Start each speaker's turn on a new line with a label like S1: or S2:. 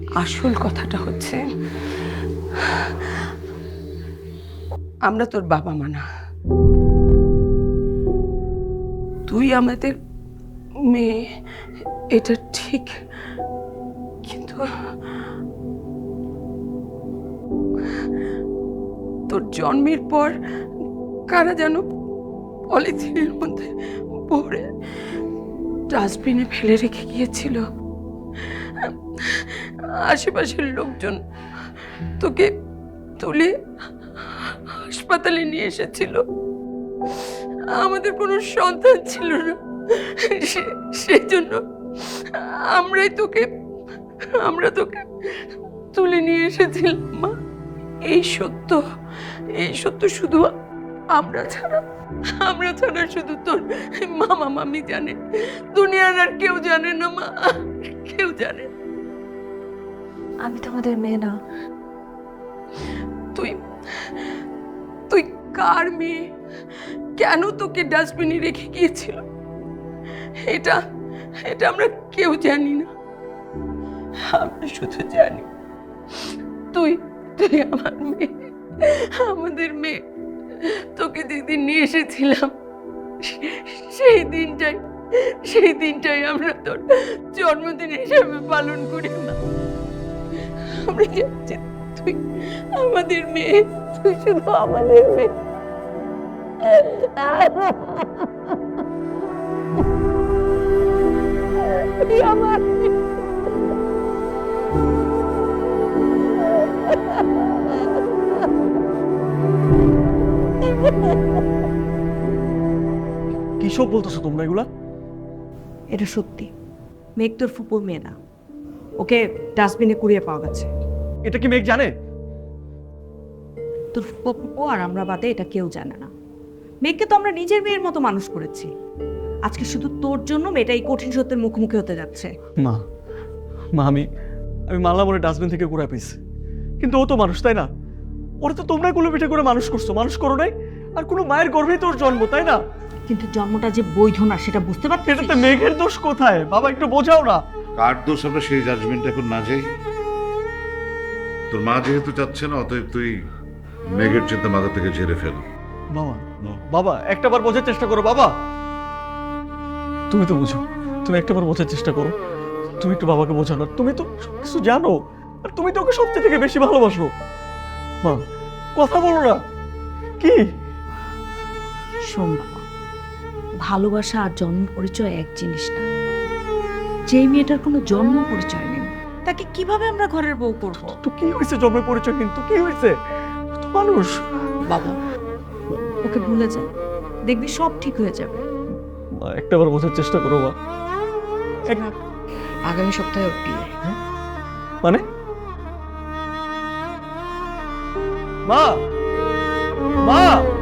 S1: আসল কথাটা হচ্ছে আমরা তোর বাবা মা না, তুই আমাদের মেয়ে, এটা ঠিক, কিন্তু তোর জন্মের পর কারা যেন পলিথিনের মধ্যে ভরে ডাস্টবিনে ফেলে রেখে গিয়েছিল। আশেপাশের লোকজন তোকে তুলে হাসপাতালে নিয়ে এসেছিল। আমাদের কোনো সন্তান ছিল না, সেজন্য আমরা তোকে তুলে নিয়ে এসেছিলাম মা। এই সত্য শুধু আমরা ছাড়া শুধু তোর মামা মামি জানে, দুনিয়ার আর কেউ জানে না মা, কেউ জানে না।
S2: আমি তোমাদের মেয়ে না।
S1: তুই কার মেয়ে? কেন তোকে ডাস্টবিনে রেখে গিয়েছিল এটা আমরা কেউ জানি না। আমরা শুধু জানি তুই আমার মেয়ে, আমাদের মেয়ে। তোকে যেদিন নিয়ে এসেছিলাম সেই দিনটাই আমরা তোর জন্মদিন হিসাবে পালন করি না। আমরা যাচ্ছি, তুই আমাদের মেয়ে, তুই শুধু আমাদের মেয়ে। তুই আমার
S3: কি সব বলতেছো তোমরা এগুলা?
S2: এটা সত্যি, মেঘ তোর ফুপুর মেয়ে না। ওকে ডাস্টবিনে কুড়িয়ে পাওয়া গেছে।
S3: এটা কি মেঘ জানে?
S2: তোর ফুপু আর আমরা বাদে এটা কেউ জানে না। মেঘকে তো আমরা নিজের মেয়ের মতো মানুষ করেছি। আজকে শুধু তোর জন্য মেয়েটা এই কঠিন সত্যের মুখোমুখি হতে যাচ্ছে।
S3: মা আমি মানলাম ওরা ডাস্টবিন থেকে কুড়ায় পেয়েছি, কিন্তু ও তো মানুষ, তাই না? ওরা তো তোমরা কুলো পিঠে করে মানুষ করছো, মানুষ করো নাই। আর কোনো মায়ের গর্ভেই তোর জন্ম, তাই না?
S2: কিন্তু জন্মটা যে বৈধ না সেটা বুঝতে পারছিস?
S3: এটাতে মেঘের দোষ কোথায় বাবা? একটু বোঝাও না।
S4: কার দোষ আমরা সেই জাজমেন্ট এখন না যাই। তোর মা যেহেতু চাচ্ছে না, অতএব তুই মেঘের চিন্তা মাথা থেকে ঝেড়ে ফেল।
S3: বাবা একটাবার বোঝার চেষ্টা করো বাবা। তুমি তো বুঝো, তুমি একটাবার বোঝার চেষ্টা করো। তুমি একটু বাবাকে বোঝানো, তুমি তো সবকিছু জানো, আর তুমি তো ওকে সবচেয়ে থেকে বেশি ভালোবাসো। মা কথা বলো না। কি?
S2: শোন বাবা, ভালোবাসা আর জন্ম পরিচয় এক জিনিস না। যেই মেয়েটার কোনো জন্ম পরিচয় নেই তাকে কিভাবে আমরা ঘরের বউ করবো?
S3: তো কি হয়েছে? জন্মের পরিচয় কিন্তু কি হয়েছে? তো মানুষ।
S2: বাবা ওকে ভুলে যা, দেখবি সব ঠিক হয়ে যাবে।
S3: মা একটাবার বোঝার চেষ্টা করো মা।
S2: আগামী সপ্তাহে ওর বিয়ে।
S3: মানে মা